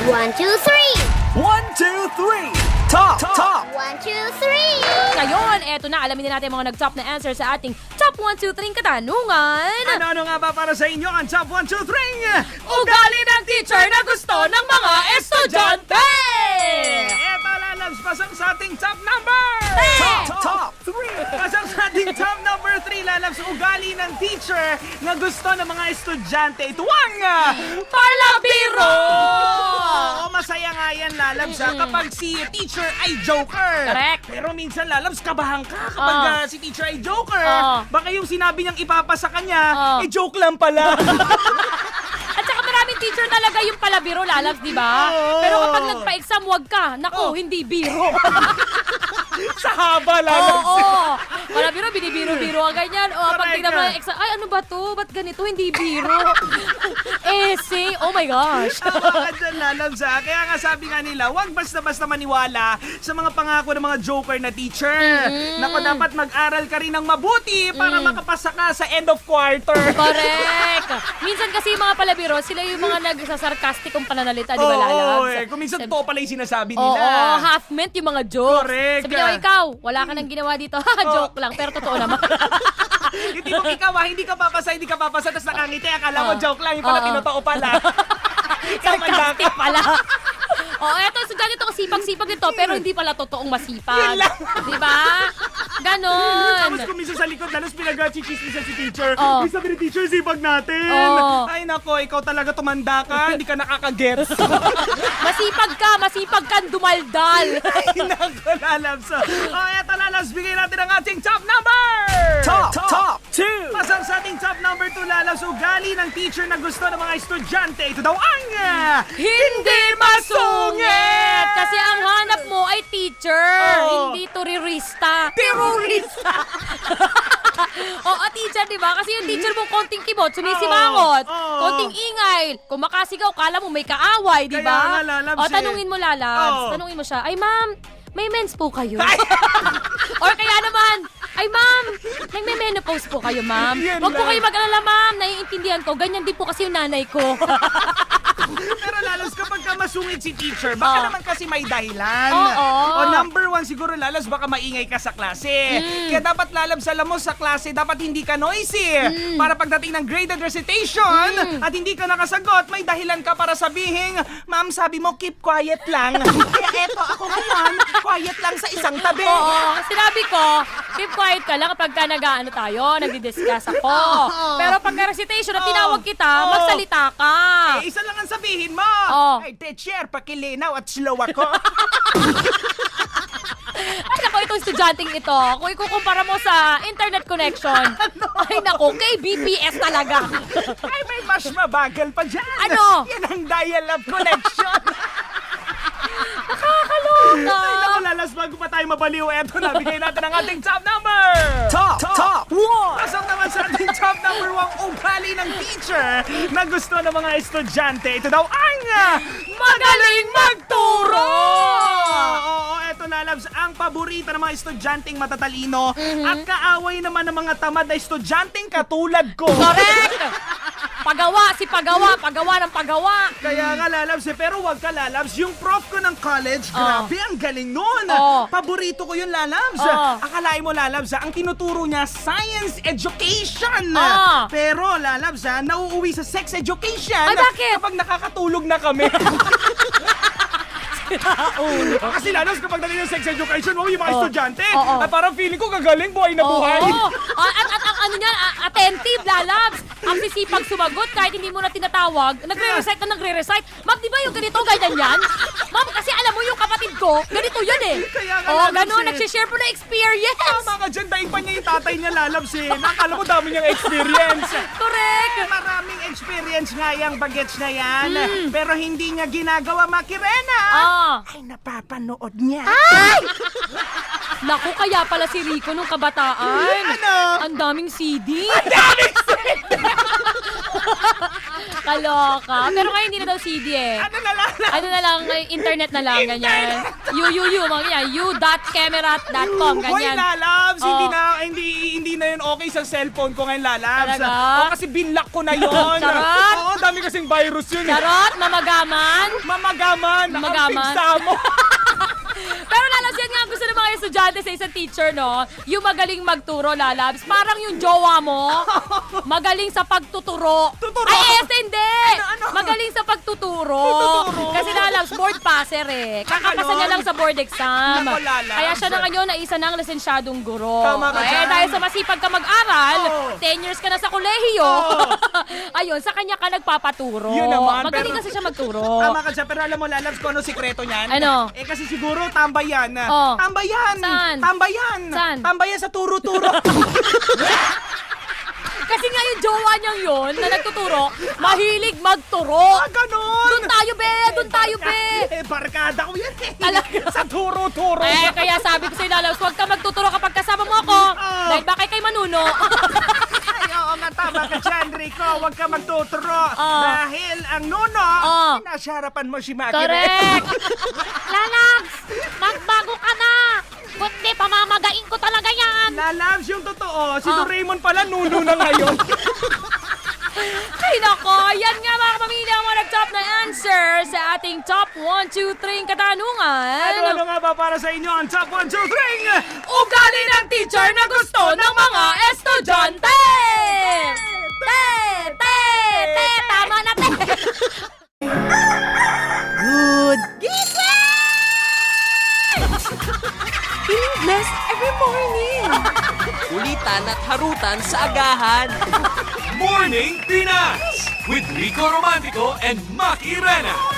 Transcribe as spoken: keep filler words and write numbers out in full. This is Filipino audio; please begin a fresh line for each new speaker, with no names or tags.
One, two, three!
One, two, three! Top, top!
One, two, three!
Ngayon, eto na, alamin na natin mga nag-top na answer sa ating Top one, two, three katanungan.
Ano-ano nga ba para sa inyo ang Top one, two, three?
Ugali ng teacher na gusto ng mga estudyante!
Eto lalabs, pasang sa ating top number!
Hey!
Top, top, three! Pasang sa ating top number three, lalabs, ugali ng teacher na gusto ng mga estudyante. Ito ang...
Palabiro!
Oo, masaya nga yan, lalabs, ha, kapag si teacher ay joker.
Correct.
Pero minsan, lalabs, kabahan ka kapag
Oh.
ah, si teacher ay joker.
Oh.
Baka yung sinabi niyang ipapasa kanya,
Oh.
eh joke lang pala.
At saka maraming teacher talaga yung palabiro, lalabs, di ba?
Oo.
Pero kapag nagpa-exam, wag ka. Naku,
Oh.
hindi biro.
Sa haba,
Oo,
lalabs.
oo. Palabiro, binibiro-biro ka ganyan. O, pag
Correct.
tingnan mo yung exam, ay, ano ba to? Ba't ganito? Hindi biro. Essay. Oh my gosh.
Tama ka dyan, lalabs, ha? Kaya nga sabi nga nila, huwag basta-basta maniwala sa mga pangako ng mga joker na teacher. Naku, dapat mag-aral ka rin ng mabuti para makapasa ka sa end of quarter.
Correct. Minsan kasi yung mga palabiro, sila yung mga nagsasarkastikong pananalita, di ba, lalabs?
Oo, eh. Kung minsan
Sabi-
to pala yung sinasabi
Oo,
nila.
half meant yung mga jokes.
Correct.
Sabi niya, "Oh, ikaw, wala ka nang ginawa dito." Ha, joke lang, pero totoo naman.
Hindi mo ikaw, ha? Hindi ka papasa, hindi ka papasa, tapos nakangiti. Akala mo
Oo.
joke lang, yung pala
Oo.
tinotoo pala.
Sarcastic pala. Oh, eto, so ganito kasipag-sipag nito, pero hindi pala totoong masipag.
Yun lang.
Di ba? Ganon.
Tapos kung minsan sa likod, lalos pinag-chichismisan si teacher.
Oh.
May sabi ni teacher, sipag natin.
Oh.
Ay nako, ikaw talaga tumanda ka, hindi ka nakakagets.
Masipag ka, masipag kang dumaldal.
Ay nako, lalabs. Oh, eto lalabs, bigay natin ang ating top number!
Top, top, two.
Pasang sa ating top number two, lalabs, ugali ng teacher na gusto ng mga estudyante. Ito daw ang... ah,
Hindi masungit! Kasi ang hanap mo ay teacher,
Oo.
hindi turirista. Terorista! Oo, teacher, di ba? Kasi yung teacher mo konting kibot, sumisimangot,
Oo. Oo.
konting ingay, kung makasigaw, kala mo may kaaway, di
Kaya
ba?
nga, lalabs,
O,
eh.
tanungin mo, lalabs.
Oo.
Tanungin mo siya, ay ma'am, may mens po kayo? Or kaya naman, ay ma'am, nagme-menopause po kayo, ma'am.
Yan
Huwag po
lang.
kayo mag-alala, ma'am. Naiintindihan ko. Ganyan din po kasi yung nanay ko.
Pero lalos kapag ka masungit si teacher, baka
Oo.
naman kasi may dahilan.
Oo.
O number one, siguro lalos baka maingay ka sa klase. Kaya dapat lalabs, alam mo, sa klase, dapat hindi ka noisy. Para pagdating ng graded recitation, at hindi ka nakasagot, may dahilan ka para sabihin, ma'am, sabi mo, keep quiet lang. Kaya eto, ako ngayon, quiet lang sa isang tabi.
Oo, sinabi ko, keep quiet ka lang kapag ka nag-ano tayo, nagdi-discuss ako. Pero pag recitation na tinawag kita,
Oo.
magsalita ka.
Eh, isa lang ang sabihin mo.
Oo.
Ay, teacher, pakilinaw at slow ako.
Ay, naku, itong estudyanteng ito, kung ikukumpara mo sa internet connection, ay naku, kay B P S talaga.
Ay, may mas mabagal pa dyan.
Ano?
Yan ang dial-up connection.
Nakakaloka.
Ay, naku, lalas, bago pa tayo mabaliw, eto na, bigay natin ang ating top number.
Top, top, one.
Pasok naman sa ating top number one, ugali ng teacher na gusto ng mga estudyante. Ito daw ang ah,
Magaling magturo!
Oo, eto lalabs, ang paborito ng mga estudyanteng matatalino at kaaway naman ng mga tamad na estudyanteng katulad ko.
Correct! Pagawa, si pagawa, pagawa ng pagawa.
Kaya nga lalabs eh, pero wag ka lalabs. Yung prof ko ng college,
Oh.
grabe, ang galing nun.
Oh.
Paborito ko yung lalabs.
Oh.
Akalain mo lalabs, ah, ang tinuturo niya, science education.
Oh.
Pero lalabs, ah, nauuwi sa sex education.
Ay, bakit?
Kapag nakakatulog na kami. Kasi lalabs, kapag dating ng sex education, wow, yung mga
Oh.
estudyante,
Oh, oh.
at parang feeling ko gagaling, buhay na buhay.
Oo. Ah, At, at, ang ano niyan, ah, attentive, lalabs. Ang sisipag sumagot kahit hindi mo na tinatawag. Nagre-recite na nagre-recite. Ma'am, di ba yung ganito, ganyan yan? Ma'am, kasi alam mo yung kapatid ko, ganito yan eh.
Kaya nga,
Oo,
lalabs
ganun,
eh.
nagsishare po na experience.
Tama ka dyan, dahil pa niya yung tatay niya lalabs eh. Nakala mo dami niyang experience.
Correct.
Maraming experience nga yung bagets na yan. Pero hindi niya ginagawa, Makirena.
Ah.
Ay, napapanood niya.
Ay! Naku, kaya pala si Rico nung kabataan.
Ano?
Ang daming C D.
Daming
Kaloka. Pero ngayon hindi na daw C D eh.
Ano na lang?
Ano na lang, eh, internet na lang, ganyan. You, you, you, mga ganyan. you dot camerat dot com,
Hoy,
ganyan.
lalabs,
Oh.
hindi na hindi hindi na yun okay sa cellphone ko ngayon, lalabs.
Talaga?
Oo, kasi binlock ko na yun.
Charot?
Oo, dami kasing virus yun. eh.
Charot, mamagaman.
Mamagaman,
Mamagaman.
nakapigsa mo.
Pero lalabs, yan nga ang gusto ng mga estudyante sa isang teacher, no? Yung magaling magturo, lalabs. Parang yung jowa mo, magaling sa pagtuturo.
Tuturo?
Ay, yes, hindi!
ano?
Magaling sa pagtuturo.
Pagtuturo?
Kasi lalabs, board passer eh. Kakapasa
ganon?
niya lang sa board exam.
Nako, lalabs.
Kaya siya na ngayon na isa ng lisensyadong guro.
Tama ka
eh,
dyan.
dahil sa masipag ka mag-aral,
Oo.
ten years ka na sa kolehiyo.
Oo.
Ayun, sa kanya ka nagpapaturo.
Yun naman,
Magaling
pero-
kasi siya magturo.
Tama ka dyan, pero alam mo, lalabs, ko ano sikreto niyan?
Ano?
Eh, kasi siguro tambayan.
Oh.
Tambayan!
Saan?
Tambayan!
Saan?
Tambayan sa turo-turo.
Kasi nga yung jowa niyang yun na nagtuturo, mahilig magturo.
Ah, ganon!
Doon tayo, be! Doon tayo, be!
Eh, barkada ko yan eh.
Talaga?
Sa turo-turo.
Eh, kaya sabi ko sa'yo, Lalabs, huwag ka magtuturo kapag kasama mo ako.
Oh.
Dahil baka kay Manuno.
Ay, oo nga, tama ka dyan, Rico. Huwag ka magtuturo.
Oh.
Dahil ang nuno,
Oh.
nasa harapan mo si Maki.
Correct! Lalabs, magbago ka na! Kundi, pamamagain ko talaga yan!
Lalabs, yung totoo, si
Oh.
Doraemon pala nuno na ngayon.
Ay, nako! Yan nga mga pamilya ang mga nag-top na answer sa ating top one, two, three katanungan.
Ano-ano nga ba para sa inyo ang top one, two, three?
Ugali ng teacher na gusto ng mga estudyante! Te! Te! Te! Tama na, te!
Good.
Feeling blessed every morning!
Kulitan at harutan sa agahan.
Morning Pinas with Rico Romantico and Maki Rena.